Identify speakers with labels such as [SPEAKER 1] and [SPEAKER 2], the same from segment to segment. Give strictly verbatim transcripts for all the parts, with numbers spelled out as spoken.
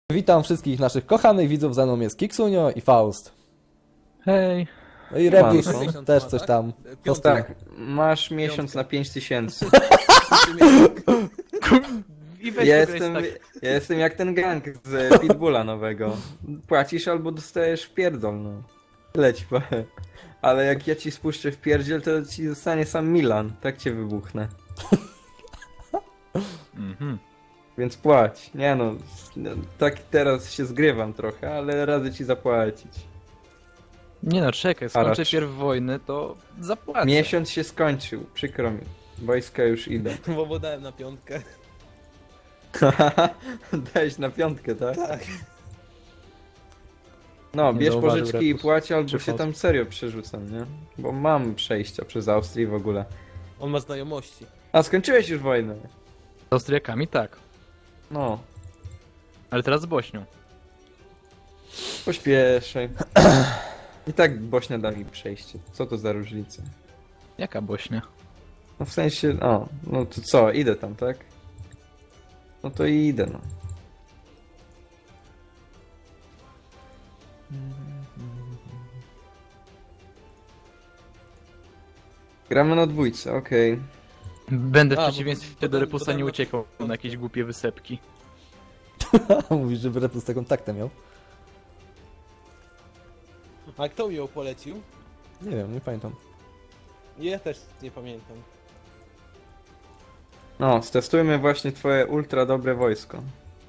[SPEAKER 1] Witam wszystkich naszych kochanych widzów, za mną jest Kiksunio i Faust.
[SPEAKER 2] Hej.
[SPEAKER 1] No i Rebus
[SPEAKER 3] Siemanko.
[SPEAKER 1] też coś tam.
[SPEAKER 3] Piątek. Tak, masz miesiąc na pięć tysięcy.
[SPEAKER 2] I weź
[SPEAKER 3] Ja
[SPEAKER 2] pograj
[SPEAKER 3] jestem,
[SPEAKER 2] tak.
[SPEAKER 3] ja jestem jak ten gang z Pitbulla nowego. Płacisz albo dostajesz w pierdol, no. Leć powiem. Ale jak ja ci spuszczę w pierdziel, to ci zostanie sam Milan. Tak cię wybuchnę.
[SPEAKER 2] Mhm.
[SPEAKER 3] Więc płać. Nie no, no, tak teraz się zgrywam trochę, ale radzę ci zapłacić.
[SPEAKER 2] Nie no, czekaj, skończę
[SPEAKER 3] Haracz.
[SPEAKER 2] pierw wojnę, to zapłacę.
[SPEAKER 3] Miesiąc się skończył, przykro mi. Wojska już idą.
[SPEAKER 4] Bo dałem na piątkę.
[SPEAKER 3] Dałeś na piątkę, tak?
[SPEAKER 4] Tak.
[SPEAKER 3] No,
[SPEAKER 2] Nie
[SPEAKER 3] bierz
[SPEAKER 2] zauważył
[SPEAKER 3] pożyczki i
[SPEAKER 2] Repus.
[SPEAKER 3] płać, albo
[SPEAKER 2] Czy
[SPEAKER 3] się
[SPEAKER 2] Faust?
[SPEAKER 3] tam serio przerzucam, nie? Bo mam przejścia przez Austrię w ogóle.
[SPEAKER 4] On ma znajomości.
[SPEAKER 3] A, skończyłeś już wojnę?
[SPEAKER 2] Z Austriakami tak,
[SPEAKER 3] No,
[SPEAKER 2] ale teraz z Bośnią.
[SPEAKER 3] pośpieszaj. I tak Bośnia da mi przejście. Co to za różnica?
[SPEAKER 2] Jaka Bośnia?
[SPEAKER 3] No w sensie, o, no to co, idę tam, tak? No to i idę, no. Gramy na dwójce, okej.
[SPEAKER 2] Będę w
[SPEAKER 4] A, bo-
[SPEAKER 2] przeciwieństwie
[SPEAKER 4] bo-
[SPEAKER 2] do
[SPEAKER 4] bo-
[SPEAKER 2] Repusa
[SPEAKER 4] bo-
[SPEAKER 2] nie
[SPEAKER 4] bo-
[SPEAKER 2] uciekał na jakieś głupie wysepki.
[SPEAKER 1] Mówisz, że Rebus taką taktę miał?
[SPEAKER 4] A kto mi ją polecił?
[SPEAKER 1] Nie wiem, nie pamiętam.
[SPEAKER 4] Ja też nie pamiętam.
[SPEAKER 3] No, stestujmy właśnie twoje ultra dobre wojsko.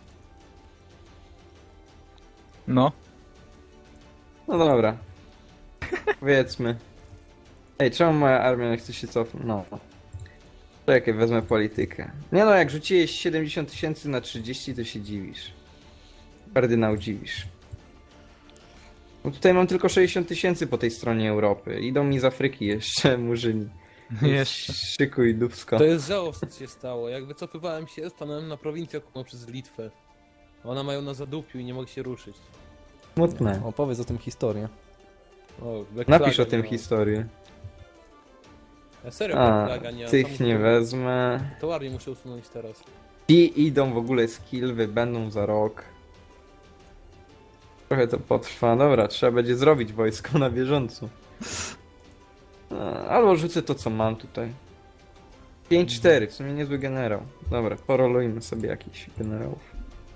[SPEAKER 2] No.
[SPEAKER 3] No dobra. Powiedzmy. Ej, czemu moja armia nie chce się cofnąć? No. Czekaj, wezmę politykę. Nie no, jak rzuciłeś siedemdziesiąt tysięcy na trzydzieści, to się dziwisz. Kardynał dziwisz. No tutaj mam tylko sześćdziesiąt tysięcy po tej stronie Europy. Idą mi z Afryki jeszcze, murzyni.
[SPEAKER 2] Jeszcze.
[SPEAKER 3] Szykuj dupsko.
[SPEAKER 4] To jest żałosne, co się stało. Jak wycofywałem się, stanąłem na prowincję okupowaną przez Litwę. Ona mają na zadupiu i nie mogę się ruszyć.
[SPEAKER 3] Smutne.
[SPEAKER 1] Opowiedz o tym historię.
[SPEAKER 4] O, Black
[SPEAKER 3] Napisz
[SPEAKER 4] Flaga
[SPEAKER 3] o tym
[SPEAKER 4] nie ma.
[SPEAKER 3] historię.
[SPEAKER 4] Ja serio, Black
[SPEAKER 3] A,
[SPEAKER 4] Flaga nie ma.
[SPEAKER 3] tych
[SPEAKER 4] Sam
[SPEAKER 3] nie
[SPEAKER 4] to-
[SPEAKER 3] wezmę.
[SPEAKER 4] To armię muszę usunąć teraz.
[SPEAKER 3] Ci idą w ogóle z Kilwy, będą za rok. Trochę to potrwa. Dobra, trzeba będzie zrobić wojsko na bieżąco. E, Albo rzucę to, co mam tutaj. pięć cztery, w sumie niezły generał. Dobra, porolujmy sobie jakichś generałów.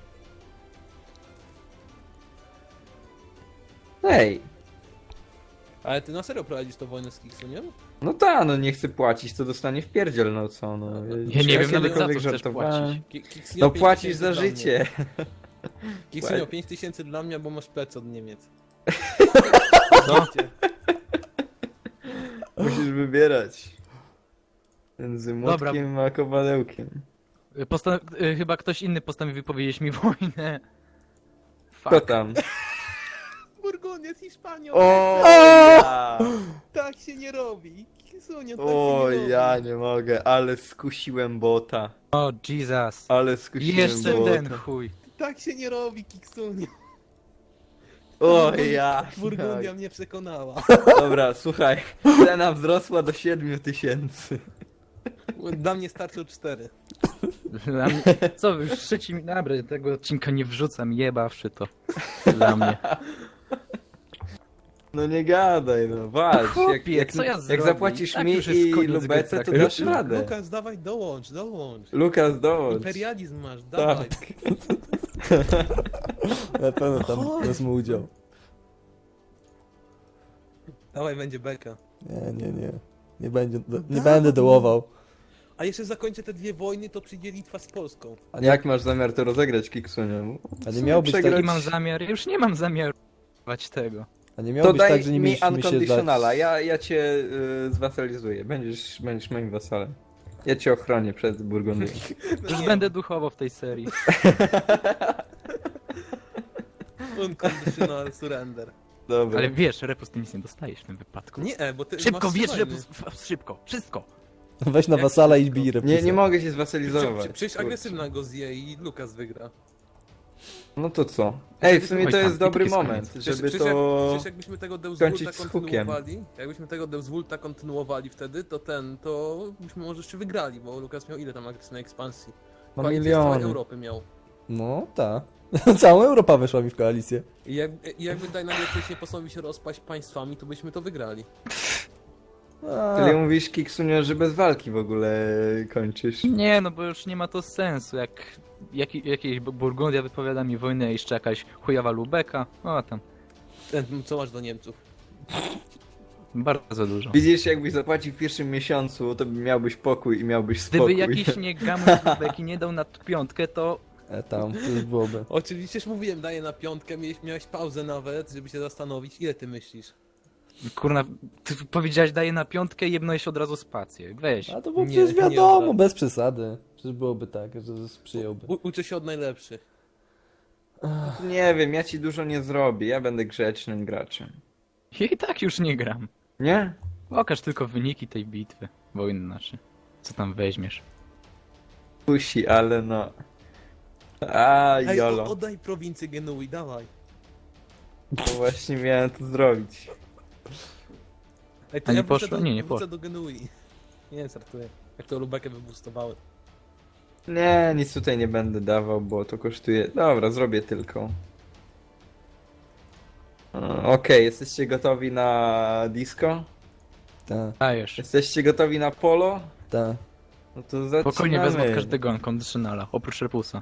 [SPEAKER 3] Ej,
[SPEAKER 4] Ale ty na serio prowadzisz tą wojnę z Kiksuniem?
[SPEAKER 3] no ta, no nie chcę płacić, to dostanie w pierdziel, no co, no.
[SPEAKER 2] Ja nie wiem nawet za co
[SPEAKER 3] kiedykolwiek
[SPEAKER 2] chcesz
[SPEAKER 3] żartowałem?
[SPEAKER 2] płacić.
[SPEAKER 4] Ki- Kiksunio
[SPEAKER 3] No
[SPEAKER 4] pięć
[SPEAKER 3] płacisz
[SPEAKER 4] tysięcy
[SPEAKER 3] za
[SPEAKER 4] dla mnie.
[SPEAKER 3] życie.
[SPEAKER 4] Kiksunio pięć tysięcy dla mnie, bo masz plec od Niemiec.
[SPEAKER 2] No.
[SPEAKER 3] Musisz wybierać. Między
[SPEAKER 2] Dobra.
[SPEAKER 3] młotkiem a kowadełkiem.
[SPEAKER 2] Postan- y, chyba ktoś inny postanowił powiedzieć mi wojnę.
[SPEAKER 3] Kto
[SPEAKER 2] Fuck.
[SPEAKER 3] tam?
[SPEAKER 4] Burgundia z Hiszpanią!
[SPEAKER 3] O ja!
[SPEAKER 4] Tak się nie robi! Kiksunio, tak
[SPEAKER 3] O
[SPEAKER 4] się nie robi!
[SPEAKER 3] ja nie mogę, ale skusiłem bota.
[SPEAKER 2] O Jesus.
[SPEAKER 3] Ale skusiłem
[SPEAKER 2] Jeszcze
[SPEAKER 3] bota.
[SPEAKER 2] ten chuj.
[SPEAKER 4] Tak się nie robi, Kiksunio!
[SPEAKER 3] O ja!
[SPEAKER 4] Burgundia mnie przekonała.
[SPEAKER 3] Dobra, słuchaj. Cena wzrosła do siedmiu tysięcy.
[SPEAKER 4] Dla mnie starczą cztery.
[SPEAKER 2] Dla mnie... Co wy już trzeci mi... Dobra, tego odcinka nie wrzucam, jebawszy to. Dla mnie.
[SPEAKER 3] No nie gadaj, no walcz.
[SPEAKER 2] Chłopie,
[SPEAKER 3] Jak, jak,
[SPEAKER 2] co ja
[SPEAKER 3] jak
[SPEAKER 2] zrobię?
[SPEAKER 3] zapłacisz
[SPEAKER 2] Tak
[SPEAKER 3] mi
[SPEAKER 2] już jest
[SPEAKER 3] i
[SPEAKER 2] koniec
[SPEAKER 3] Lubece,
[SPEAKER 2] gry
[SPEAKER 3] to
[SPEAKER 2] traktacji.
[SPEAKER 3] dasz radę.
[SPEAKER 4] Lukas, dawaj, dołącz, dołącz.
[SPEAKER 3] Lukas, dołącz.
[SPEAKER 4] Imperializm masz, dawaj.
[SPEAKER 3] Tak.
[SPEAKER 1] Na pewno tam
[SPEAKER 4] Chodź.
[SPEAKER 1] wezmę udział.
[SPEAKER 4] Dawaj, będzie beka.
[SPEAKER 1] Nie, nie, nie. Nie, będzie, nie
[SPEAKER 4] Dawaj.
[SPEAKER 1] będę dołował.
[SPEAKER 4] A jeszcze zakończę te dwie wojny, to przyjdzie Litwa z Polską.
[SPEAKER 1] A nie,
[SPEAKER 3] Jak masz zamiar to rozegrać, Kiksunio?
[SPEAKER 1] a nie miało być tak,
[SPEAKER 3] Przegrać-
[SPEAKER 2] Jaki mam zamiar? Ja już nie mam zamiaru wać tego.
[SPEAKER 1] a nie miało
[SPEAKER 3] To
[SPEAKER 1] być
[SPEAKER 3] daj
[SPEAKER 1] tak, że nie
[SPEAKER 3] mi
[SPEAKER 1] mieliśmy się
[SPEAKER 3] unconditionala,
[SPEAKER 1] dać...
[SPEAKER 3] ja, ja cię y, zwasalizuję, będziesz, będziesz moim wasalem. Ja cię ochronię przed Burgundią.
[SPEAKER 2] Już
[SPEAKER 4] nie.
[SPEAKER 2] będę duchowo w tej serii.
[SPEAKER 4] Unconditional surrender.
[SPEAKER 3] Dobra.
[SPEAKER 2] Ale wiesz, Repus, ty nic nie dostajesz w tym wypadku.
[SPEAKER 4] Nie, bo ty
[SPEAKER 2] Szybko,
[SPEAKER 4] masz
[SPEAKER 2] wiesz,
[SPEAKER 4] wojny.
[SPEAKER 2] Repus, f- szybko, wszystko.
[SPEAKER 1] Weź na
[SPEAKER 4] Jak
[SPEAKER 1] wasala i
[SPEAKER 4] szybko?
[SPEAKER 1] bij Repusa.
[SPEAKER 3] Nie, nie mogę się
[SPEAKER 4] Przy-
[SPEAKER 3] zwasalizować.
[SPEAKER 4] przy- Przecież
[SPEAKER 3] kurczę.
[SPEAKER 4] agresywna go zje i Lukas wygra.
[SPEAKER 3] No to co? Ej, w sumie
[SPEAKER 2] Oj
[SPEAKER 3] to
[SPEAKER 2] tam,
[SPEAKER 3] jest dobry
[SPEAKER 2] bitki z
[SPEAKER 3] moment,
[SPEAKER 2] koniec.
[SPEAKER 4] Przecież,
[SPEAKER 3] żeby
[SPEAKER 4] przecież, jak,
[SPEAKER 3] to...
[SPEAKER 4] przecież jakbyśmy tego
[SPEAKER 3] skończyć
[SPEAKER 4] Deuswulta
[SPEAKER 3] z hukiem.
[SPEAKER 4] kontynuowali, jakbyśmy tego Deuswulta kontynuowali wtedy, to ten, to byśmy może jeszcze wygrali, bo Lukas miał ile tam agresywnej ekspansji?
[SPEAKER 3] No
[SPEAKER 4] Koalicję z całej
[SPEAKER 3] miliony.
[SPEAKER 4] Europy miał.
[SPEAKER 1] No, tak. Cała Europa weszła mi w koalicję.
[SPEAKER 4] I jak, i jakby Dynamite nie postanowił się rozpaść państwami, to byśmy to wygrali.
[SPEAKER 1] A,
[SPEAKER 3] Czyli mówisz, Kiksunio, że bez walki w ogóle kończysz.
[SPEAKER 2] Nie, no bo już nie ma to sensu, jak, jak jakiejś Burgundia wypowiada mi wojnę, a jeszcze jakaś chujowa Lubeka, o tam,
[SPEAKER 4] Ten, co masz do Niemców?
[SPEAKER 2] bardzo dużo.
[SPEAKER 3] Widzisz, jakbyś zapłacił w pierwszym miesiącu, to miałbyś pokój i miałbyś spokój.
[SPEAKER 2] Gdyby jakiś nie gamus z Lubeki nie dał na piątkę, to
[SPEAKER 1] e, tam, to już byłoby.
[SPEAKER 4] Oczywiście już mówiłem, daję na piątkę, miałeś, miałeś pauzę nawet, żeby się zastanowić, ile ty myślisz?
[SPEAKER 2] kurna, ty powiedziałeś daję na piątkę i jebnąłeś od razu spację, weź.
[SPEAKER 1] A to było
[SPEAKER 4] Nie,
[SPEAKER 1] przecież
[SPEAKER 4] nie
[SPEAKER 1] wiadomo,
[SPEAKER 4] odda.
[SPEAKER 1] bez przesady. Przecież byłoby tak, że przyjąłby.
[SPEAKER 4] U, uczę się od najlepszych.
[SPEAKER 3] Nie wiem, ja ci dużo nie zrobię, ja będę grzecznym graczem.
[SPEAKER 2] Ja i tak już nie gram.
[SPEAKER 3] Nie?
[SPEAKER 2] Pokaż tylko wyniki tej bitwy, wojny znaczy. Co tam weźmiesz?
[SPEAKER 3] Kusi, ale no... A,
[SPEAKER 4] Ej,
[SPEAKER 3] jolo.
[SPEAKER 4] o, oddaj prowincję Genui, dawaj.
[SPEAKER 3] To właśnie miałem to zrobić.
[SPEAKER 4] Ej,
[SPEAKER 2] A
[SPEAKER 4] to
[SPEAKER 2] nie
[SPEAKER 4] ja wrócę
[SPEAKER 2] poszło?
[SPEAKER 4] do,
[SPEAKER 2] Nie, nie
[SPEAKER 4] wrócę do Genui. Nie, żartuję. Jak to Lubekę wybustowały.
[SPEAKER 3] Nie, nic tutaj nie będę dawał, bo to kosztuje... Dobra, zrobię tylko. O, Okej, jesteście gotowi na disco?
[SPEAKER 1] Tak,
[SPEAKER 2] Dajesz.
[SPEAKER 3] Jesteście gotowi na polo?
[SPEAKER 1] tak.
[SPEAKER 3] No to zaczynamy.
[SPEAKER 2] Spokojnie wezmę od każdego unconditionala, oprócz repusa.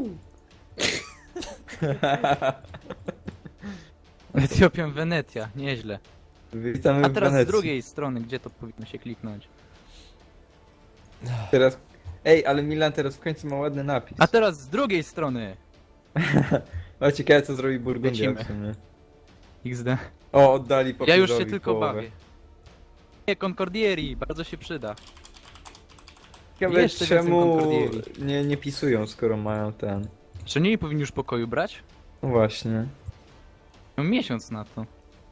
[SPEAKER 2] Etiopią Wenecja, nieźle.
[SPEAKER 3] Witamy
[SPEAKER 2] A
[SPEAKER 3] w
[SPEAKER 2] teraz z
[SPEAKER 3] Wenecji.
[SPEAKER 2] drugiej strony, gdzie to powinno się kliknąć?
[SPEAKER 3] Teraz... Ej, ale Milan teraz w końcu ma ładny napis.
[SPEAKER 2] A teraz z drugiej strony!
[SPEAKER 3] O, ciekawe co zrobi Burgundia
[SPEAKER 2] Lecimy.
[SPEAKER 3] w sumie.
[SPEAKER 2] iks de.
[SPEAKER 3] O, oddali
[SPEAKER 2] Ja już się
[SPEAKER 3] papierowi
[SPEAKER 2] tylko
[SPEAKER 3] połowę.
[SPEAKER 2] bawię. Nie, Concordieri, bardzo się przyda.
[SPEAKER 3] Ciekawe
[SPEAKER 2] Jeszcze więcej
[SPEAKER 3] czemu
[SPEAKER 2] Concordieri.
[SPEAKER 3] nie, nie pisują, skoro mają ten...
[SPEAKER 2] Czy nie powinni już pokoju brać?
[SPEAKER 3] No właśnie.
[SPEAKER 2] Mam miesiąc na to.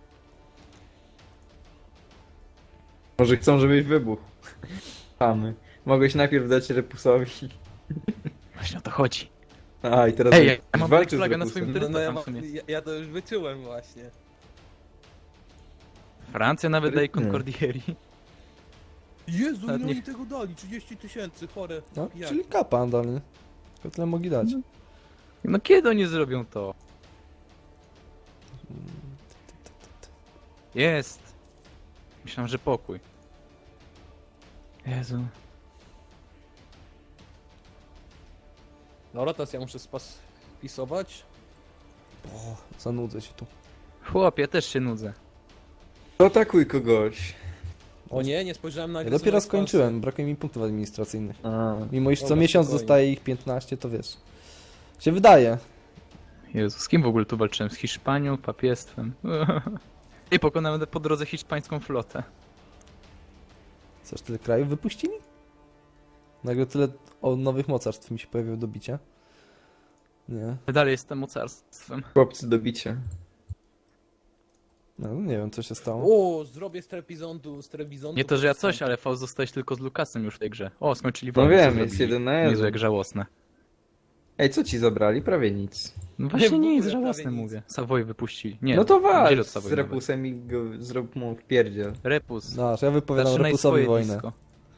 [SPEAKER 3] Może chcą, żebyś wybuchł. Chamy. Mogłeś najpierw dać Repusowi.
[SPEAKER 2] Właśnie o to chodzi.
[SPEAKER 3] A, i teraz
[SPEAKER 2] Ej,
[SPEAKER 3] już
[SPEAKER 2] ja mam
[SPEAKER 3] walczysz z
[SPEAKER 2] Black Flaga na
[SPEAKER 3] Repusem.
[SPEAKER 2] swoim
[SPEAKER 4] No, no ja,
[SPEAKER 2] tam
[SPEAKER 4] ma-
[SPEAKER 2] w sumie.
[SPEAKER 4] ja, ja to już wyczułem właśnie.
[SPEAKER 2] Francja nawet daje
[SPEAKER 3] Sprytny.
[SPEAKER 2] Concordieri.
[SPEAKER 4] Jezu,
[SPEAKER 2] Nawet
[SPEAKER 4] no
[SPEAKER 2] nie-
[SPEAKER 4] i tego dali, trzydzieści tysięcy, chore.
[SPEAKER 1] No,
[SPEAKER 4] Jak?
[SPEAKER 1] czyli kapa dolny. Tylko tyle mogli dać.
[SPEAKER 2] No kiedy oni zrobią to? Jest. Myślałem, że pokój. Jezu.
[SPEAKER 4] Dobra, teraz ja muszę spas wpisować.
[SPEAKER 1] O, zanudzę się tu.
[SPEAKER 2] Chłopie, też się nudzę.
[SPEAKER 3] To atakuj kogoś.
[SPEAKER 4] O nie, nie spojrzałem na
[SPEAKER 1] Ja
[SPEAKER 4] agresywną
[SPEAKER 1] dopiero
[SPEAKER 4] ekspansję.
[SPEAKER 1] skończyłem, brakuje mi punktów administracyjnych.
[SPEAKER 3] A.
[SPEAKER 1] Mimo iż co
[SPEAKER 4] Dobra,
[SPEAKER 1] miesiąc
[SPEAKER 4] spokojnie.
[SPEAKER 1] dostaję ich piętnaście, to wiesz. Się wydaje.
[SPEAKER 2] Jezu, z kim w ogóle tu walczyłem? Z Hiszpanią, papiestwem. I pokonałem po drodze hiszpańską flotę.
[SPEAKER 1] Coś tyle krajów wypuścili? Nagle tyle o nowych mocarstw mi się pojawiło do bicia. Nie.
[SPEAKER 2] Dalej jestem mocarstwem.
[SPEAKER 3] Chłopcy do bicia.
[SPEAKER 1] No nie wiem co się stało.
[SPEAKER 4] O, zrobię z Trebizondu, z Trebizondu.
[SPEAKER 2] Nie to, że ja coś,
[SPEAKER 4] protestant.
[SPEAKER 2] ale Faust zostałeś tylko z Lukasem już w tej grze. O, skończyli
[SPEAKER 3] No
[SPEAKER 2] wojnę. co
[SPEAKER 3] wiem, jest
[SPEAKER 2] zrobili?
[SPEAKER 3] jeden na
[SPEAKER 2] Jezu,
[SPEAKER 3] jeden.
[SPEAKER 2] jak żałosne.
[SPEAKER 3] Ej, co ci zabrali? Prawie nic.
[SPEAKER 2] No właśnie
[SPEAKER 4] w
[SPEAKER 2] nie,
[SPEAKER 4] ogóle
[SPEAKER 2] jest
[SPEAKER 4] prawie
[SPEAKER 2] żałosne,
[SPEAKER 4] nic.
[SPEAKER 2] mówię. Savoy wypuścili. Nie,
[SPEAKER 3] No to
[SPEAKER 2] wzięli
[SPEAKER 3] walcz
[SPEAKER 2] od
[SPEAKER 3] z
[SPEAKER 2] Savoy nawet.
[SPEAKER 3] Repusem i go zrób mu wpierdziel.
[SPEAKER 2] Repus.
[SPEAKER 1] No, że ja wypowiadam
[SPEAKER 2] Zaczynaj
[SPEAKER 1] Repusowi
[SPEAKER 2] swoje
[SPEAKER 1] wojnę.
[SPEAKER 2] disco.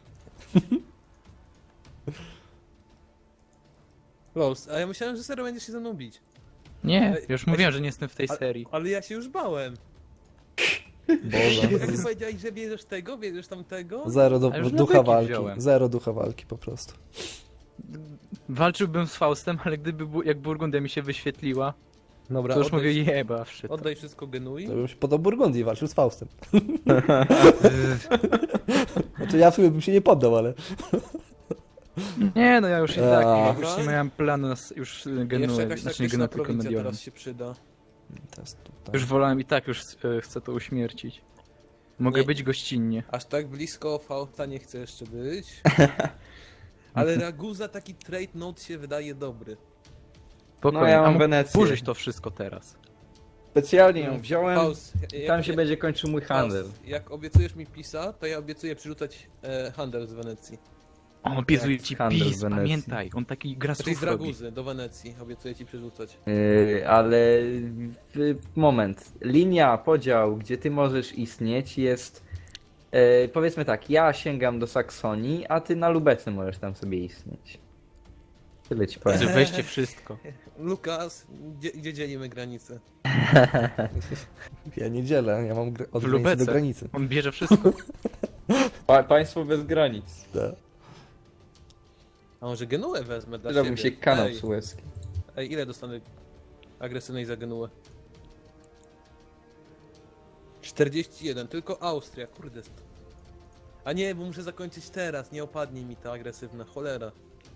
[SPEAKER 4] Los, a ja myślałem, że serio będziesz się ze mną bić.
[SPEAKER 2] Nie,
[SPEAKER 4] Ej,
[SPEAKER 2] już
[SPEAKER 4] ej,
[SPEAKER 2] mówiłem, że nie jestem w tej
[SPEAKER 4] A-
[SPEAKER 2] serii.
[SPEAKER 4] Ale ja się już bałem.
[SPEAKER 1] Boże.
[SPEAKER 4] Jak ty powiedziałeś, że bierzesz tego, bierzesz tamtego?
[SPEAKER 1] Zero do,
[SPEAKER 2] A już
[SPEAKER 1] ducha
[SPEAKER 2] Lubeki
[SPEAKER 1] walki.
[SPEAKER 2] wziąłem.
[SPEAKER 1] Zero ducha walki po prostu.
[SPEAKER 2] Walczyłbym z Faustem, ale gdyby bu- jak Burgundia mi się wyświetliła,
[SPEAKER 4] Dobra,
[SPEAKER 2] to już
[SPEAKER 4] oddaj,
[SPEAKER 2] mówię jeba, wszyt.
[SPEAKER 4] oddaj wszystko Genui.
[SPEAKER 1] To bym się podał Burgundii i walczył z Faustem. Znaczy ja w sumie bym się nie poddał, ale...
[SPEAKER 2] Nie, no ja już i tak,
[SPEAKER 1] A.
[SPEAKER 2] już nie miałem planu na s- już
[SPEAKER 4] Jeszcze
[SPEAKER 2] genuę,
[SPEAKER 4] jakaś
[SPEAKER 2] znaczy nie
[SPEAKER 4] taktyczna
[SPEAKER 2] genuę, tylko
[SPEAKER 4] prowincja
[SPEAKER 2] Mediolan.
[SPEAKER 4] teraz się przyda.
[SPEAKER 1] Teraz tutaj.
[SPEAKER 2] Już wolałem i tak już e, chcę to uśmiercić. Mogę
[SPEAKER 4] Nie.
[SPEAKER 2] być gościnnie.
[SPEAKER 4] Aż tak blisko Fausta nie chcę jeszcze być. Ale Raguza taki trade note się wydaje dobry.
[SPEAKER 2] Spokojnie,
[SPEAKER 3] No ja
[SPEAKER 2] a
[SPEAKER 3] mam
[SPEAKER 2] mógł
[SPEAKER 3] Wenecję.
[SPEAKER 2] burzyć to wszystko teraz.
[SPEAKER 3] Specjalnie ją wziąłem.
[SPEAKER 4] Faust, jak,
[SPEAKER 3] Tam się będzie kończył mój handel.
[SPEAKER 4] Faust, jak obiecujesz mi Pisa, to ja obiecuję przyrzucać e, handel z Wenecji.
[SPEAKER 2] On obiecuje
[SPEAKER 3] Jak
[SPEAKER 2] ci
[SPEAKER 3] handel w
[SPEAKER 2] PiS,
[SPEAKER 3] Wenecji.
[SPEAKER 2] pamiętaj, on taki gra
[SPEAKER 4] Czyli z
[SPEAKER 2] słów robi.
[SPEAKER 4] Raguzy do Wenecji obiecuję ci przerzucać.
[SPEAKER 3] Yy, ale w, moment. Linia, podział, gdzie ty możesz istnieć jest... Yy, powiedzmy tak, ja sięgam do Saksonii, a ty na Lubece możesz tam sobie istnieć. Tyle ci powiem.
[SPEAKER 2] Weźcie wszystko.
[SPEAKER 4] Lukas, gdzie, gdzie dzielimy granicę?
[SPEAKER 1] Ja nie dzielę, ja mam gr- od
[SPEAKER 2] W
[SPEAKER 1] granicy do
[SPEAKER 2] Lubece.
[SPEAKER 1] granicy.
[SPEAKER 2] On bierze wszystko.
[SPEAKER 3] Pa państwo bez granic.
[SPEAKER 1] Tak.
[SPEAKER 4] A może Genuę wezmę dla
[SPEAKER 3] Przydałby
[SPEAKER 4] siebie?
[SPEAKER 3] się kanał
[SPEAKER 4] Ej,
[SPEAKER 3] sueski.
[SPEAKER 4] ej, ile dostanę agresywnej za Genuę? czterdzieści jeden, tylko Austria, kurde. A nie, bo muszę zakończyć teraz, nie opadnie mi ta agresywna, cholera.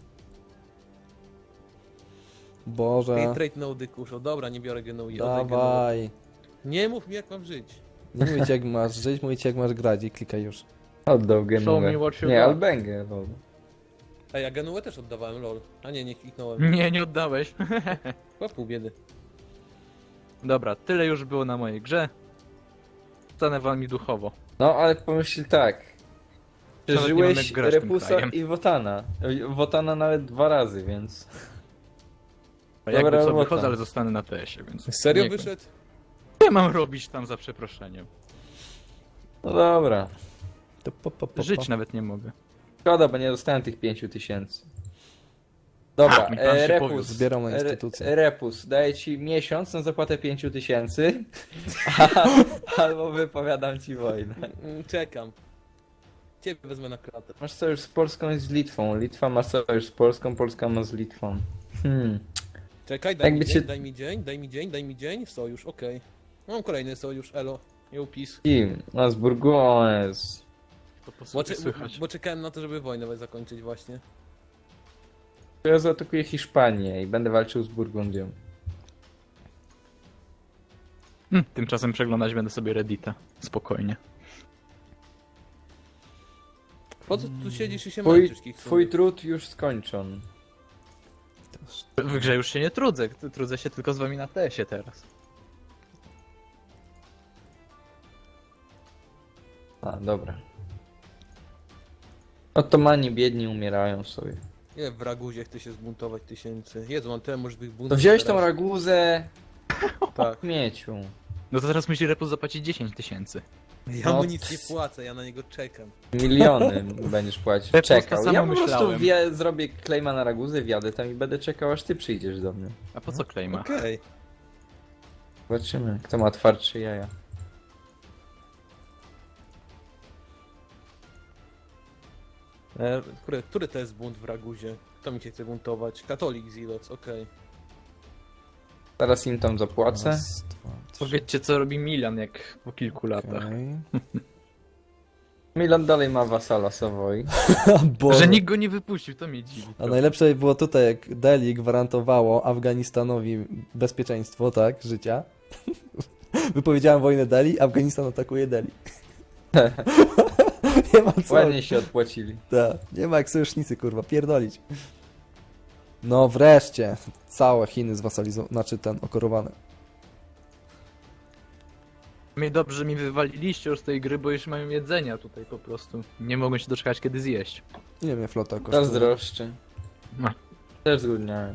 [SPEAKER 1] Boże,
[SPEAKER 4] Hey, trade no dykuszo, dobra, nie biorę Genui, oddaj Genuę.
[SPEAKER 1] dawaj.
[SPEAKER 4] Nie mów mi jak mam żyć.
[SPEAKER 1] Nie mówię ci jak masz żyć, mówię ci jak masz grać i klikaj już.
[SPEAKER 3] Oddał
[SPEAKER 2] Show
[SPEAKER 3] Genuę.
[SPEAKER 2] me what you
[SPEAKER 3] Nie,
[SPEAKER 2] got.
[SPEAKER 3] Albengę. lol.
[SPEAKER 4] Ej, ja Genuę też oddawałem, lol. A nie, nie kliknąłem.
[SPEAKER 2] Nie, nie oddałeś.
[SPEAKER 4] Chyba pół biedy.
[SPEAKER 2] Dobra, tyle już było na mojej grze. Stanę wami duchowo.
[SPEAKER 3] No, ale pomyśl tak.
[SPEAKER 2] Nawet nie mam
[SPEAKER 3] Przeżyłeś
[SPEAKER 2] jak grać tym
[SPEAKER 3] Repusa
[SPEAKER 2] krajem.
[SPEAKER 3] i Wotana. Wotana nawet dwa razy, więc...
[SPEAKER 2] A jakby
[SPEAKER 3] Dobra
[SPEAKER 2] co
[SPEAKER 3] robota.
[SPEAKER 2] wychodzę, ale zostanę na T S-ie, więc...
[SPEAKER 4] Serio
[SPEAKER 2] nie,
[SPEAKER 4] wyszedł?
[SPEAKER 2] Co mam robić tam za przeproszeniem?
[SPEAKER 3] No dobra.
[SPEAKER 1] To po, po, po,
[SPEAKER 2] Żyć
[SPEAKER 1] po.
[SPEAKER 2] nawet nie mogę.
[SPEAKER 3] Szkoda, bo nie dostałem tych pięciu tysięcy. Dobra,
[SPEAKER 2] A, mi pan się
[SPEAKER 3] e, Repus.
[SPEAKER 2] powiódł.
[SPEAKER 1] Zbieram na
[SPEAKER 3] Re-
[SPEAKER 1] instytucję.
[SPEAKER 3] Repus, daję ci miesiąc na zapłatę pięciu tysięcy, a- albo wypowiadam ci wojnę.
[SPEAKER 4] Mm, Czekam. Ciebie wezmę na klatę.
[SPEAKER 3] Masz sojusz z Polską i z Litwą. Litwa ma sojusz z Polską, Polska ma z Litwą. Hmm.
[SPEAKER 4] Czekaj, daj
[SPEAKER 3] Jakby
[SPEAKER 4] mi
[SPEAKER 3] cię-
[SPEAKER 4] dzień, daj mi dzień, daj mi dzień, daj mi dzień. Sojusz, okej. Mam kolejny sojusz, elo. Jełpis.
[SPEAKER 3] Kim? No z Burgones.
[SPEAKER 2] To po
[SPEAKER 4] Bo,
[SPEAKER 2] sobie
[SPEAKER 4] cze- bo,
[SPEAKER 2] słychać.
[SPEAKER 4] bo czekałem na to, żeby wojnę zakończyć właśnie.
[SPEAKER 3] Ja zaatakuję Hiszpanię i będę walczył z Burgundią.
[SPEAKER 2] Hm, tymczasem przeglądać będę sobie Reddita. Spokojnie.
[SPEAKER 4] Po co tu siedzisz i się
[SPEAKER 3] Twój,
[SPEAKER 4] męczysz, Kiksu?
[SPEAKER 3] twój trud już skończon.
[SPEAKER 2] W grze już się nie trudzę. Trudzę się tylko z wami na T S-ie teraz.
[SPEAKER 3] A, dobra. Otomani biedni umierają sobie.
[SPEAKER 4] Ile w Raguzie chce się zbuntować tysięcy? Jezu, mam tyle możliwych buntów.
[SPEAKER 3] To wziąłeś tą
[SPEAKER 4] teraz.
[SPEAKER 3] raguzę
[SPEAKER 4] Tak.
[SPEAKER 3] w mieciu.
[SPEAKER 2] No to teraz musi Repus zapłacić dziesięć tysięcy.
[SPEAKER 4] Ja
[SPEAKER 3] No,
[SPEAKER 4] mu nic
[SPEAKER 3] ps-
[SPEAKER 4] nie płacę, ja na niego czekam.
[SPEAKER 3] Miliony będziesz płacić.
[SPEAKER 2] Ja
[SPEAKER 3] Czekał.
[SPEAKER 2] to samo
[SPEAKER 3] Ja po prostu
[SPEAKER 2] myślałem.
[SPEAKER 3] wie, zrobię claima na raguzę, wjadę tam i będę czekał, aż ty przyjdziesz do mnie.
[SPEAKER 2] A po co klejma?
[SPEAKER 4] Okej.
[SPEAKER 3] Zobaczymy, kto ma twardsze jaja.
[SPEAKER 4] E, Który, który to jest bunt w Raguzie? Kto mi się chce buntować? Katolik Ziloc, okej.
[SPEAKER 3] Zaraz im tam zapłacę.
[SPEAKER 1] Raz, dwa, trzy.
[SPEAKER 2] Powiedzcie co robi Milan jak po kilku latach.
[SPEAKER 1] Okej.
[SPEAKER 3] Milan dalej ma wasala Savoy.
[SPEAKER 1] Boże.
[SPEAKER 2] Że nikt go nie wypuścił, to mnie dziwi.
[SPEAKER 1] A najlepsze było tutaj, jak Delhi gwarantowało Afganistanowi bezpieczeństwo, tak, życia. Wypowiedziałem wojnę Delhi, Afganistan atakuje Delhi. Nie ma co.
[SPEAKER 3] Ładnie się odpłacili.
[SPEAKER 1] Tak, nie ma jak sojusznicy, kurwa, pierdolić. No wreszcie, całe Chiny zwasalizowane, znaczy ten, okorowane.
[SPEAKER 2] Mnie dobrze, że mi wywaliliście już z tej gry, bo już mają jedzenia tutaj po prostu. Nie mogą się doczekać kiedy zjeść.
[SPEAKER 1] Ile mnie flota kosztuje?
[SPEAKER 3] Zazdroszczę.
[SPEAKER 2] No.
[SPEAKER 3] Też zgłodniałem.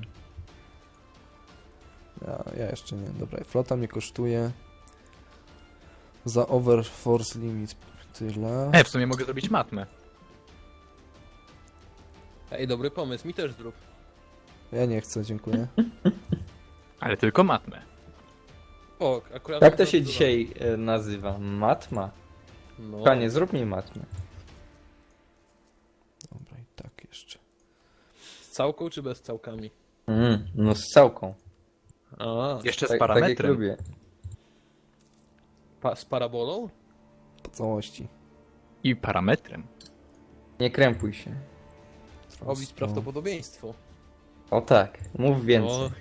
[SPEAKER 1] Ja, ja jeszcze nie, dobra, flota mnie kosztuje za overforce limit tyle.
[SPEAKER 2] E, w sumie mogę zrobić matmę.
[SPEAKER 4] Ej, dobry pomysł, mi też zrób.
[SPEAKER 1] Ja nie chcę, dziękuję.
[SPEAKER 2] Ale tylko matmę.
[SPEAKER 4] O, akurat...
[SPEAKER 3] Jak to się dzisiaj e, nazywa? Matma?
[SPEAKER 4] No.
[SPEAKER 3] Panie, zrób mi matmę.
[SPEAKER 1] Dobra, i tak jeszcze.
[SPEAKER 4] Z całką czy bez całkami?
[SPEAKER 3] Mm, no z całką.
[SPEAKER 4] A,
[SPEAKER 2] Jeszcze z
[SPEAKER 3] Tak, tak jak
[SPEAKER 2] parametrem.
[SPEAKER 3] lubię.
[SPEAKER 4] pa z parabolą?
[SPEAKER 1] Po całości.
[SPEAKER 2] I parametrem.
[SPEAKER 3] Nie krępuj się.
[SPEAKER 4] Obić prawdopodobieństwo.
[SPEAKER 3] O tak, mów więcej.
[SPEAKER 4] O,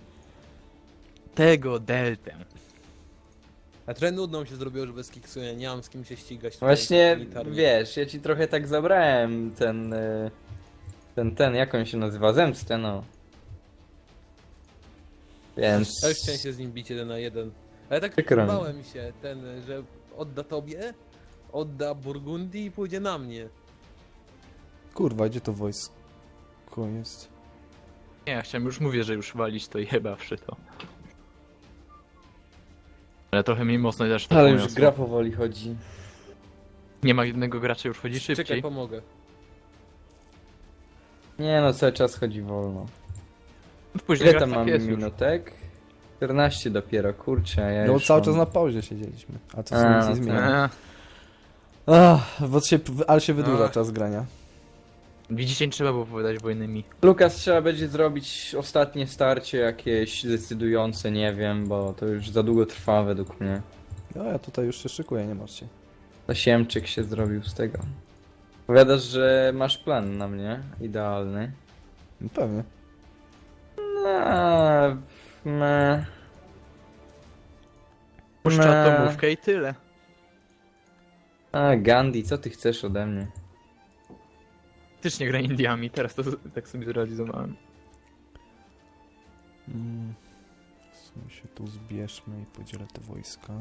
[SPEAKER 2] Tego deltę.
[SPEAKER 4] a trochę nudno mi się zrobiło, że bez kiksu ja nie mam z kim się ścigać. tutaj
[SPEAKER 3] Właśnie,
[SPEAKER 4] militarnie.
[SPEAKER 3] wiesz, ja ci trochę tak zabrałem ten... e, Ten, ten, jak on się nazywa? Zemstę, no. Więc...
[SPEAKER 4] Ja już chciałem się z nim bić jeden na jeden. Ale tak
[SPEAKER 3] Przykro mi.
[SPEAKER 4] bałem się, ten, że odda tobie, odda Burgundii i pójdzie na mnie.
[SPEAKER 1] Kurwa, gdzie to wojsko jest?
[SPEAKER 2] Nie, ja chciałem już mówię, że już walić to jebawszy to. Ale trochę mi mocno też to
[SPEAKER 3] Ale już
[SPEAKER 2] poniosło.
[SPEAKER 3] gra powoli chodzi.
[SPEAKER 2] Nie ma jednego gracza, już chodzi
[SPEAKER 4] Czekaj,
[SPEAKER 2] szybciej.
[SPEAKER 4] pomogę.
[SPEAKER 3] Nie no, cały czas chodzi wolno.
[SPEAKER 2] Później
[SPEAKER 3] Ile tam
[SPEAKER 2] gra
[SPEAKER 3] mamy
[SPEAKER 2] jest już.
[SPEAKER 3] minutek? czternaście dopiero, kurczę, ja
[SPEAKER 1] No
[SPEAKER 3] już
[SPEAKER 1] cały
[SPEAKER 3] mam...
[SPEAKER 1] czas na pauzie siedzieliśmy, a to
[SPEAKER 3] A,
[SPEAKER 1] się nic
[SPEAKER 3] no
[SPEAKER 1] nie zmienia.
[SPEAKER 2] Eee,
[SPEAKER 1] Ach, bo się, ale się wydłuża
[SPEAKER 4] Ach.
[SPEAKER 1] czas grania.
[SPEAKER 2] widzicie, nie trzeba było powiedzieć wojny mi.
[SPEAKER 3] Lukas, trzeba będzie zrobić ostatnie starcie jakieś decydujące, nie wiem, bo to już za długo trwa według mnie.
[SPEAKER 1] No ja tutaj już się szykuję, nie martw się.
[SPEAKER 3] Tasiemczyk się zrobił z tego. Powiadasz, że masz plan na mnie, idealny.
[SPEAKER 1] No pewnie.
[SPEAKER 3] No, me...
[SPEAKER 2] Puszcza
[SPEAKER 3] Me-
[SPEAKER 2] atomówkę i tyle.
[SPEAKER 3] A, Gandhi, co ty chcesz ode mnie?
[SPEAKER 2] Też nie gra Indiami, teraz to z- tak sobie zrealizowałem.
[SPEAKER 1] Mm. W sumie się tu zbierzmy i podzielę te wojska.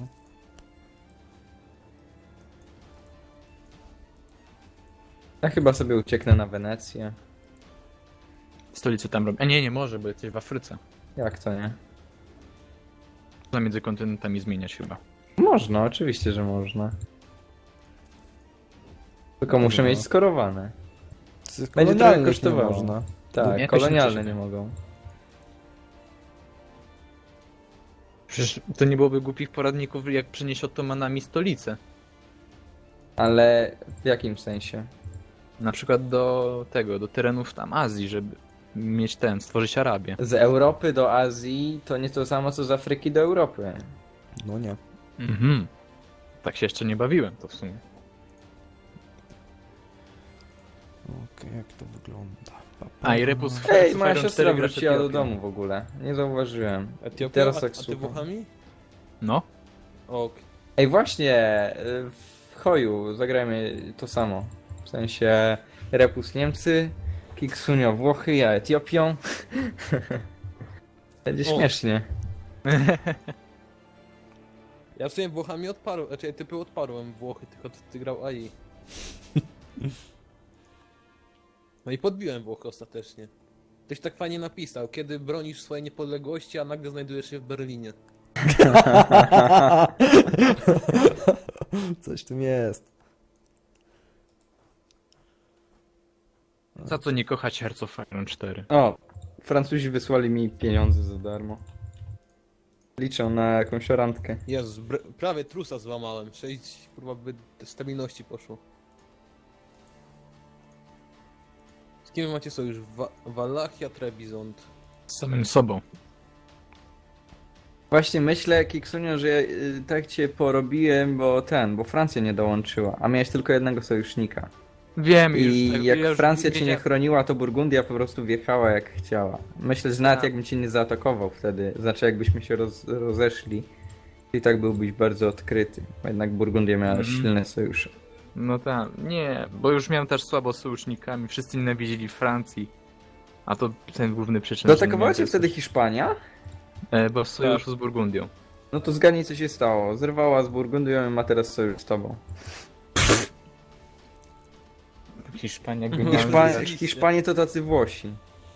[SPEAKER 3] Ja chyba sobie ucieknę na Wenecję.
[SPEAKER 2] Stolicę tam robię. A nie, nie może, bo jesteś w Afryce.
[SPEAKER 3] Jak to nie?
[SPEAKER 2] Można między kontynentami zmieniać chyba.
[SPEAKER 3] Można, oczywiście, że można. Tylko muszę
[SPEAKER 1] Dobra.
[SPEAKER 3] mieć skorowane.
[SPEAKER 1] Z
[SPEAKER 3] Będzie
[SPEAKER 1] kolonialnych
[SPEAKER 3] trochę kosztowało.
[SPEAKER 1] nie można.
[SPEAKER 3] Tak,
[SPEAKER 2] Nie,
[SPEAKER 3] kolonialne
[SPEAKER 2] jakoś
[SPEAKER 3] nie mogą.
[SPEAKER 2] Przecież to nie byłoby głupich poradników, jak przenieść Ottomanami stolicę.
[SPEAKER 3] Ale w jakim sensie?
[SPEAKER 2] Na przykład do tego, do terenów tam Azji, żeby mieć ten, stworzyć Arabię.
[SPEAKER 3] Z Europy do Azji to nie to samo co z Afryki do Europy.
[SPEAKER 1] No nie.
[SPEAKER 2] Mhm. Tak się jeszcze nie bawiłem to w sumie.
[SPEAKER 1] Okej, jak to wygląda? Pa, pa.
[SPEAKER 2] A i Repus w
[SPEAKER 3] Ej,
[SPEAKER 2] Fire
[SPEAKER 3] moja
[SPEAKER 2] cztery
[SPEAKER 3] siostra
[SPEAKER 2] gra z
[SPEAKER 3] wróciła do
[SPEAKER 2] Etiopią.
[SPEAKER 3] domu w ogóle. Nie zauważyłem.
[SPEAKER 4] Etiopia,
[SPEAKER 3] Teraz
[SPEAKER 4] a,
[SPEAKER 3] tak
[SPEAKER 4] a ty
[SPEAKER 3] słucham.
[SPEAKER 4] Włochami?
[SPEAKER 2] No.
[SPEAKER 4] Ok.
[SPEAKER 3] Ej, właśnie, y, w Hoju zagrajmy to samo. W sensie Repus Niemcy, Kiksunio Włochy, ja Etiopią. Będzie
[SPEAKER 4] O.
[SPEAKER 3] śmiesznie.
[SPEAKER 4] Ja w sumie Włochami odparłem, znaczy typy odparłem Włochy, tylko ty, ty grał A I. No i podbiłem Włochy ostatecznie. Ktoś tak fajnie napisał, kiedy bronisz swojej niepodległości, a nagle znajdujesz się w Berlinie.
[SPEAKER 1] Coś w tym jest.
[SPEAKER 2] Za co nie kochać Hearts of Iron cztery?
[SPEAKER 3] O, Francuzi wysłali mi pieniądze za darmo. Liczę na jakąś randkę.
[SPEAKER 4] Jezus, br- prawie trusa złamałem. sześć kurwa by stabilności poszło. Z kim macie sojusz? Wa Wallachia, Trebizond.
[SPEAKER 2] Z samym sobą.
[SPEAKER 3] Właśnie myślę, Kiksunio, że y, tak cię porobiłem, bo ten, bo Francja nie dołączyła, a miałeś tylko jednego sojusznika.
[SPEAKER 2] Wiem już.
[SPEAKER 3] I
[SPEAKER 2] tak,
[SPEAKER 3] jak
[SPEAKER 2] ja już
[SPEAKER 3] Francja cię nie
[SPEAKER 2] wiedziałem-
[SPEAKER 3] chroniła, to Burgundia po prostu wjechała jak chciała. Myślę, że nawet
[SPEAKER 2] Tak.
[SPEAKER 3] jakbym cię nie zaatakował wtedy, znaczy jakbyśmy się roz, rozeszli, i tak byłbyś bardzo odkryty. Bo jednak Burgundia miała
[SPEAKER 2] Mhm.
[SPEAKER 3] silne sojusze.
[SPEAKER 2] No tak, nie, bo już miałem też słabo z sojusznikami, wszyscy nienawidzili Francji. A to ten główny przyczyn. że
[SPEAKER 3] Dootakowała
[SPEAKER 2] nie
[SPEAKER 3] cię wtedy Hiszpania?
[SPEAKER 2] E, bo w sojuszu z Burgundią.
[SPEAKER 3] No to zgadnij co się stało. Zerwała z Burgundią i ma teraz sojusz z tobą.
[SPEAKER 2] Hiszpania
[SPEAKER 4] Mhm.
[SPEAKER 2] genialna
[SPEAKER 3] Hiszpa...
[SPEAKER 2] rzecz.
[SPEAKER 3] Hiszpanie to tacy Włosi.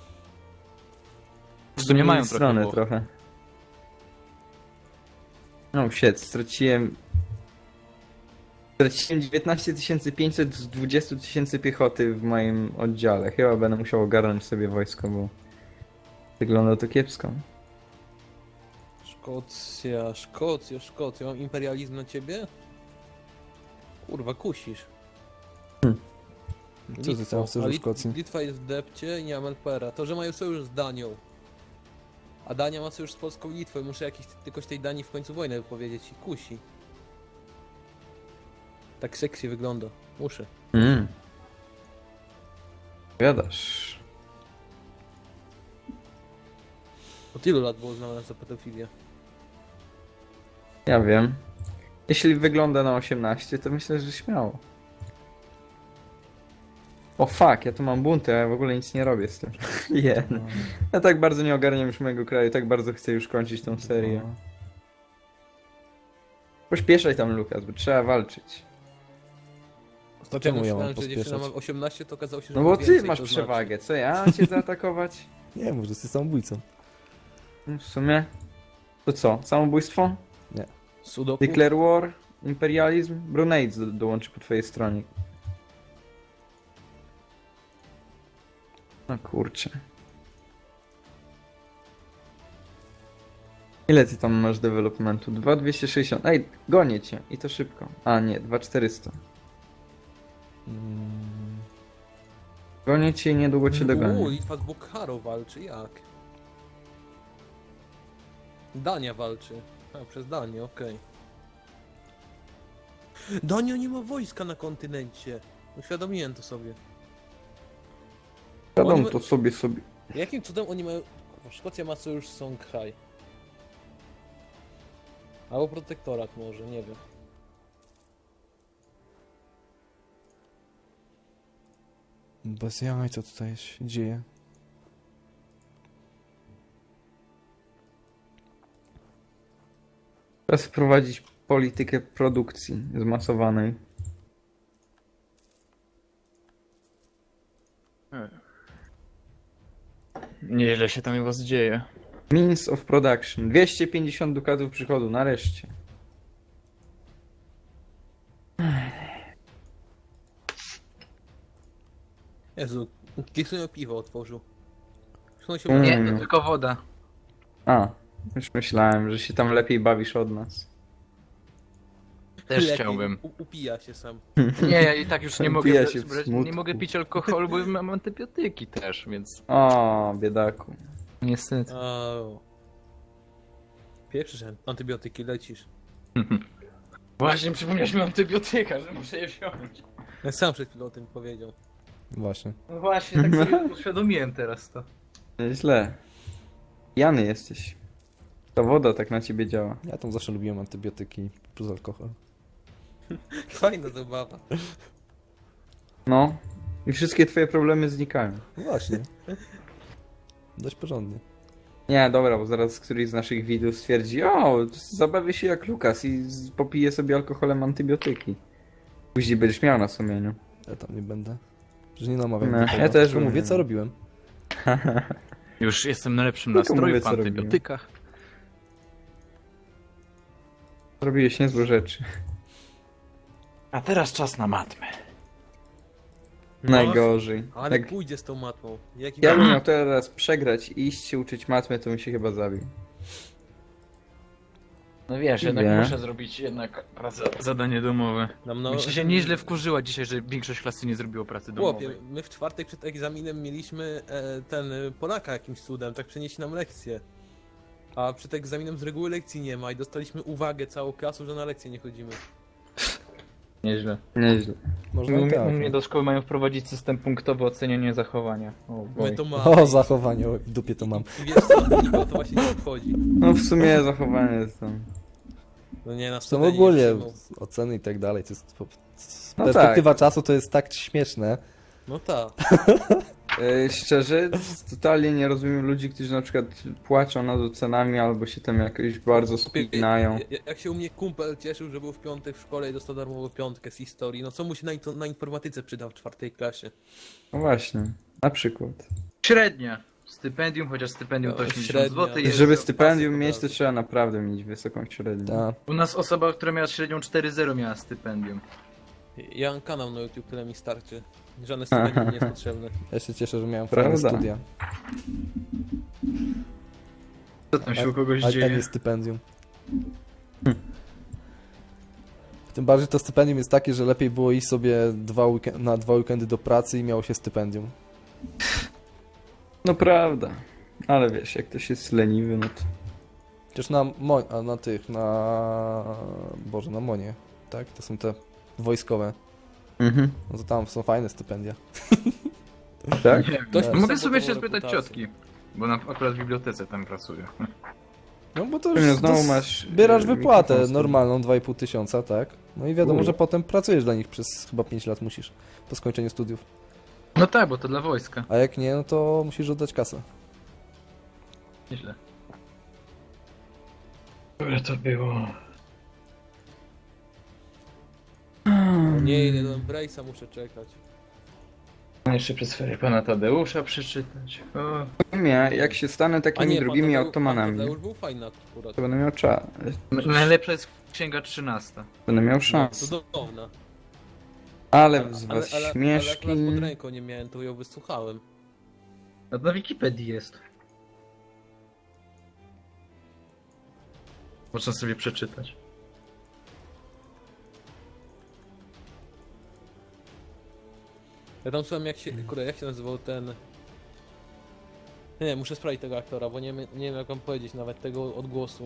[SPEAKER 2] W sumie mają
[SPEAKER 3] Z
[SPEAKER 2] trochę
[SPEAKER 3] strony
[SPEAKER 2] Włoch.
[SPEAKER 3] trochę. No shit, straciłem... Straciłem dziewiętnaście tysięcy pięćset z dwadzieścia tysięcy piechoty w moim oddziale. Chyba będę musiał ogarnąć sobie wojsko, bo... Wygląda to kiepsko.
[SPEAKER 4] Szkocja, Szkocja, Szkocja. Mam imperializm na ciebie? Kurwa, kusisz.
[SPEAKER 1] Co ty tam chcesz
[SPEAKER 4] a
[SPEAKER 1] w
[SPEAKER 4] Lit-
[SPEAKER 1] Szkocji?
[SPEAKER 4] Litwa jest w depcie i nie mam L P R a. To, że mają sojusz z Danią. A Dania ma sojusz z Polską i Litwą. Muszę jakiś, jakoś tej Danii w końcu wojnę wypowiedzieć i kusi. Tak sexy wygląda. Muszę.
[SPEAKER 3] Mm. Wiadasz.
[SPEAKER 4] Od ilu lat było znane za pedofilię?
[SPEAKER 3] Ja wiem. Jeśli wygląda na osiemnaście, to myślę, że śmiało. O fuck, ja tu mam bunty, a ja w ogóle nic nie robię z tym. Yeah.
[SPEAKER 1] No,
[SPEAKER 3] Ja tak bardzo nie ogarniam już mojego kraju, tak bardzo chcę już kończyć tą serię.
[SPEAKER 1] no.
[SPEAKER 3] Pośpieszaj tam, Lukas, bo trzeba walczyć.
[SPEAKER 4] Ostatnio
[SPEAKER 1] Czemu ja mam
[SPEAKER 4] myślałem, że dziewczyna ma
[SPEAKER 1] pospieszać?
[SPEAKER 4] osiemnaście, to okazało się, że
[SPEAKER 3] No
[SPEAKER 4] ma
[SPEAKER 3] bo ty
[SPEAKER 4] więcej,
[SPEAKER 3] masz
[SPEAKER 4] to znaczy.
[SPEAKER 3] przewagę, co ja? Mam cię zaatakować?
[SPEAKER 1] Nie, może jesteś samobójcą.
[SPEAKER 3] No, w sumie... To co? Samobójstwo?
[SPEAKER 4] Sudoku?
[SPEAKER 3] Declare war? Imperializm? Brunei do, dołączy po twojej stronie. No kurczę. Ile ty tam masz developmentu? dwa tysiące dwieście sześćdziesiąt. Ej, gonię cię. I to szybko. A nie, dwa tysiące czterysta.
[SPEAKER 1] Mm,
[SPEAKER 3] Gonię cię i niedługo cię
[SPEAKER 4] Uuu,
[SPEAKER 3] dogonię.
[SPEAKER 4] Litwa z Bokharą walczy, jak? Dania walczy. A, przez Danię, okej. Dania nie ma wojska na kontynencie. Uświadomiłem to sobie.
[SPEAKER 3] Wiadomo
[SPEAKER 4] Oni ma-
[SPEAKER 3] to sobie sobie.
[SPEAKER 4] Jakim cudem oni mają... Kurwa, Szkocja ma sojusz z Songhai. Albo protektorat może, nie wiem.
[SPEAKER 1] bez jaj, co tutaj się dzieje?
[SPEAKER 3] Teraz wprowadzić politykę produkcji zmasowanej.
[SPEAKER 2] Nieźle się tam u was dzieje.
[SPEAKER 3] Means of production. dwieście pięćdziesiąt dukatów przychodu, nareszcie.
[SPEAKER 4] Jezu, Kisunia piwo otworzył. Zresztą się
[SPEAKER 3] Mm.
[SPEAKER 2] Nie,
[SPEAKER 4] uda.
[SPEAKER 2] to tylko woda.
[SPEAKER 3] A, już myślałem, że się tam lepiej bawisz od nas.
[SPEAKER 2] Też
[SPEAKER 4] Lepiej,
[SPEAKER 2] chciałbym.
[SPEAKER 4] U, upija się sam.
[SPEAKER 2] Nie, ja i tak już nie mogę,
[SPEAKER 3] Pija się w
[SPEAKER 2] brać-
[SPEAKER 3] smutku.
[SPEAKER 2] nie mogę pić alkoholu, bo mam antybiotyki też, więc
[SPEAKER 3] O, biedaku.
[SPEAKER 2] niestety.
[SPEAKER 4] Au. Pierwszy, że antybiotyki lecisz.
[SPEAKER 2] Właśnie przypomniałeś mi o antybiotyka, że muszę je wziąć.
[SPEAKER 4] Ja sam przed chwilą o tym powiedział.
[SPEAKER 1] Właśnie.
[SPEAKER 2] No właśnie, tak sobie uświadomiłem teraz to.
[SPEAKER 3] Źle. Jany jesteś. Ta woda tak na ciebie działa.
[SPEAKER 1] Ja tam zawsze lubiłem antybiotyki plus alkohol.
[SPEAKER 4] Fajna zabawa.
[SPEAKER 3] No. I wszystkie twoje problemy znikają.
[SPEAKER 1] No właśnie. Dość porządnie.
[SPEAKER 3] Nie, dobra, bo zaraz któryś z naszych widzów stwierdzi, o, zabawię się jak Lukas i z- popije sobie alkoholem antybiotyki. Później będziesz miał na sumieniu.
[SPEAKER 1] Ja tam nie będę. Że nie namawiam
[SPEAKER 3] No,
[SPEAKER 1] do tego.
[SPEAKER 3] ja też
[SPEAKER 1] Tylko mówię,
[SPEAKER 3] mówię.
[SPEAKER 1] co robiłem.
[SPEAKER 2] Już jestem na lepszym
[SPEAKER 3] Tylko
[SPEAKER 2] nastroju
[SPEAKER 3] mówię,
[SPEAKER 2] po
[SPEAKER 3] co robiłem.
[SPEAKER 2] antybiotykach.
[SPEAKER 3] Zrobiłeś niezłe rzeczy.
[SPEAKER 2] A teraz czas na matmę.
[SPEAKER 3] Najgorzej.
[SPEAKER 4] Ale
[SPEAKER 3] Jak
[SPEAKER 4] pójdzie z tą matmą. Jaki
[SPEAKER 3] ja bym miał teraz przegrać i iść się uczyć matmy, to bym się chyba zabił.
[SPEAKER 2] No wiesz, jednak
[SPEAKER 3] Nie.
[SPEAKER 2] muszę zrobić jednak pracę, zadanie domowe.
[SPEAKER 4] Nam no,
[SPEAKER 2] Myślę, się nieźle wkurzyła dzisiaj, że większość klasy nie zrobiło pracy domowej.
[SPEAKER 4] Chłopie, my w czwartek przed egzaminem mieliśmy e, ten e, Polaka jakimś cudem, tak przenieśli nam lekcję. A przed egzaminem z reguły lekcji nie ma i dostaliśmy uwagę całą klasą, że na lekcje nie chodzimy.
[SPEAKER 2] Nieźle.
[SPEAKER 3] Nieźle.
[SPEAKER 1] Można
[SPEAKER 2] U
[SPEAKER 1] i
[SPEAKER 2] mnie,
[SPEAKER 1] tak.
[SPEAKER 2] u mnie do szkoły mają wprowadzić system punktowy oceniania zachowania. O,
[SPEAKER 4] My
[SPEAKER 2] boj.
[SPEAKER 4] to mamy.
[SPEAKER 1] O, zachowanie, o, w dupie to mam.
[SPEAKER 4] I wiesz co, nikogo to właśnie nie obchodzi.
[SPEAKER 3] No w sumie zachowanie jest tam.
[SPEAKER 4] No nie, na
[SPEAKER 1] Są
[SPEAKER 4] studia nie
[SPEAKER 1] ogólnie
[SPEAKER 4] przyjmą.
[SPEAKER 1] oceny i tak dalej. To jest, po- z
[SPEAKER 3] No
[SPEAKER 1] perspektywa czasu to jest tak śmieszne.
[SPEAKER 4] No tak.
[SPEAKER 3] E, szczerze, totalnie nie rozumiem ludzi, którzy na przykład płaczą nad ocenami albo się tam jakoś bardzo spinają.
[SPEAKER 4] Ja- Jak się u mnie kumpel cieszył, że był w piątek w szkole i dostał darmową piątkę z historii, no co mu się na, into- na informatyce przyda w czwartej klasie?
[SPEAKER 3] No właśnie, na przykład.
[SPEAKER 2] Średnia. Stypendium, chociaż stypendium
[SPEAKER 4] No,
[SPEAKER 2] to osiemdziesiąt
[SPEAKER 4] średnia.
[SPEAKER 2] złotych jest.
[SPEAKER 3] Żeby
[SPEAKER 4] to
[SPEAKER 3] stypendium
[SPEAKER 4] pasy
[SPEAKER 3] mieć, to
[SPEAKER 4] poprawy.
[SPEAKER 3] trzeba naprawdę mieć wysoką średnią.
[SPEAKER 1] Ta.
[SPEAKER 2] U nas osoba, która miała średnią cztery zero miała stypendium.
[SPEAKER 4] Ja mam kanał na YouTube, tyle mi starczy. Żadne stypendium nie jest potrzebne.
[SPEAKER 1] Ja się cieszę, że miałem
[SPEAKER 3] Prawda.
[SPEAKER 1] fajne studia.
[SPEAKER 2] Co tam się u kogoś
[SPEAKER 1] A, a
[SPEAKER 2] dzieje?
[SPEAKER 1] nie stypendium. Tym bardziej to stypendium jest takie, że lepiej było iść sobie dwa weekend, na dwa weekendy do pracy i miało się stypendium.
[SPEAKER 3] No prawda. Ale wiesz, jak ktoś jest leniwy, no to...
[SPEAKER 1] Chociaż na, mo- a na tych, na... Boże, na Monie, tak? To są te wojskowe.
[SPEAKER 3] Mhm.
[SPEAKER 1] No to tam są fajne stypendia.
[SPEAKER 3] Tak?
[SPEAKER 2] Nie wiem.
[SPEAKER 4] Ktoś
[SPEAKER 1] No,
[SPEAKER 2] Mogę
[SPEAKER 4] pisał
[SPEAKER 2] sobie się
[SPEAKER 4] potworną
[SPEAKER 2] spytać
[SPEAKER 4] reputację.
[SPEAKER 2] ciotki, bo na, akurat w bibliotece tam pracuję.
[SPEAKER 1] No bo to
[SPEAKER 3] Pewnie
[SPEAKER 1] już
[SPEAKER 3] znowu
[SPEAKER 1] dos-
[SPEAKER 3] masz,
[SPEAKER 1] Bierasz
[SPEAKER 3] y,
[SPEAKER 1] wypłatę
[SPEAKER 3] mikrofon z tym.
[SPEAKER 1] normalną, dwa i pół tysiąca, tak? No i wiadomo,
[SPEAKER 3] U.
[SPEAKER 1] że potem pracujesz dla nich przez chyba pięć lat musisz, po skończeniu studiów.
[SPEAKER 2] No tak, bo to dla wojska.
[SPEAKER 1] A jak nie, no to musisz oddać kasę.
[SPEAKER 2] Nieźle. Które to było?
[SPEAKER 4] O nie, ile do Embrace'a muszę czekać.
[SPEAKER 2] Jeszcze przez ferie pana Tadeusza przeczytać. O.
[SPEAKER 3] Nie, jak się stanę
[SPEAKER 4] A
[SPEAKER 3] takimi
[SPEAKER 4] nie, pan
[SPEAKER 3] drugimi
[SPEAKER 4] Tadeusz-
[SPEAKER 3] otomanami,
[SPEAKER 4] Pan Tadeusz był fajny akurat.
[SPEAKER 3] to będę miał czas.
[SPEAKER 2] Najlepsza jest księga trzynasta.
[SPEAKER 3] Będę miał
[SPEAKER 4] No,
[SPEAKER 3] szans.
[SPEAKER 4] cudowna.
[SPEAKER 3] Ale z was
[SPEAKER 4] ale, ale,
[SPEAKER 3] śmieszki...
[SPEAKER 4] ale akurat pod ręką nie miałem, to ją wysłuchałem.
[SPEAKER 2] No to na Wikipedii jest. Można sobie przeczytać.
[SPEAKER 4] Ja tam słucham jak się, kurde, jak się nazywał ten... Nie, muszę sprawdzić tego aktora, bo nie, nie wiem jak wam powiedzieć nawet tego odgłosu.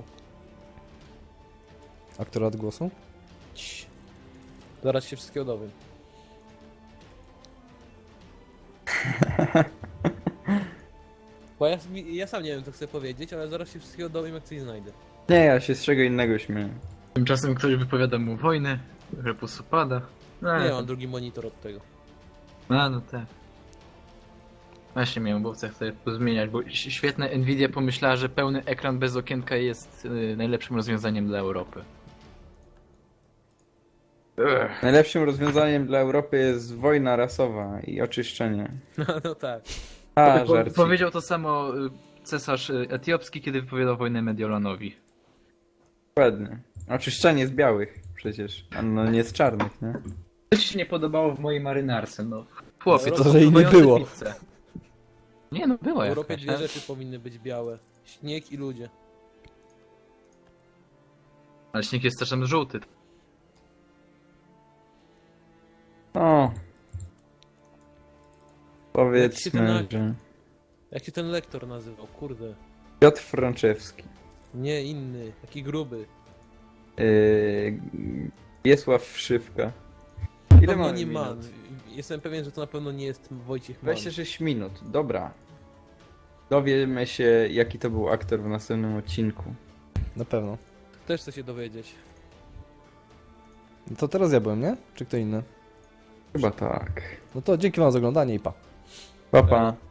[SPEAKER 1] Aktora odgłosu?
[SPEAKER 4] Cii. Zaraz się wszystkiego dowiem. Bo ja, ja sam nie wiem co chcę powiedzieć, ale zaraz się wszystkiego dowiem jak coś znajdę.
[SPEAKER 3] Nie, ja się z czego innego śmieję.
[SPEAKER 2] Tymczasem ktoś wypowiada mu wojnę, repus upada. No,
[SPEAKER 4] Nie, mam drugi monitor od tego.
[SPEAKER 2] A, no tak. Właśnie miałem bo chcę sobie pozmieniać, bo ś- świetne Nvidia pomyślała, że pełny ekran bez okienka jest y, najlepszym rozwiązaniem dla Europy. Ugh.
[SPEAKER 3] Najlepszym rozwiązaniem dla Europy jest wojna rasowa i oczyszczenie.
[SPEAKER 4] No, no tak.
[SPEAKER 3] A,
[SPEAKER 2] Po-
[SPEAKER 3] żarcik.
[SPEAKER 2] powiedział to samo y, cesarz y, etiopski, kiedy wypowiadał wojnę Mediolanowi.
[SPEAKER 3] Dokładnie. Oczyszczenie z białych przecież, a no nie z czarnych, nie?
[SPEAKER 2] Co ci się nie podobało w mojej marynarce? No, chłopie,
[SPEAKER 4] To,
[SPEAKER 2] to
[SPEAKER 1] że jej nie
[SPEAKER 2] pływające
[SPEAKER 1] było.
[SPEAKER 2] pizze. Nie no, była
[SPEAKER 4] W Europie
[SPEAKER 2] jakaś.
[SPEAKER 4] dwie
[SPEAKER 2] a-
[SPEAKER 4] rzeczy powinny być białe. Śnieg i ludzie.
[SPEAKER 2] Ale śnieg jest też tam żółty.
[SPEAKER 3] O.
[SPEAKER 4] Jak się
[SPEAKER 3] Powiedzmy,
[SPEAKER 4] ten-
[SPEAKER 3] że...
[SPEAKER 4] Jak się ten lektor nazywał? Kurde.
[SPEAKER 3] Piotr Franczewski.
[SPEAKER 4] Nie inny, taki gruby.
[SPEAKER 3] Yy... Wiesław Wszywka.
[SPEAKER 4] Na
[SPEAKER 3] Ile
[SPEAKER 4] pewno
[SPEAKER 3] mamy
[SPEAKER 4] nie
[SPEAKER 3] minut?
[SPEAKER 4] Man. Jestem pewien, że to na pewno nie jest Wojciech Mann.
[SPEAKER 3] dwadzieścia sześć minut, dobra. Dowiemy się, jaki to był aktor w następnym odcinku.
[SPEAKER 1] Na pewno.
[SPEAKER 4] Też chcę się dowiedzieć.
[SPEAKER 1] No to teraz ja byłem, nie? Czy kto inny?
[SPEAKER 3] Chyba tak.
[SPEAKER 1] No to dzięki wam za oglądanie i pa.
[SPEAKER 3] Pa, pa.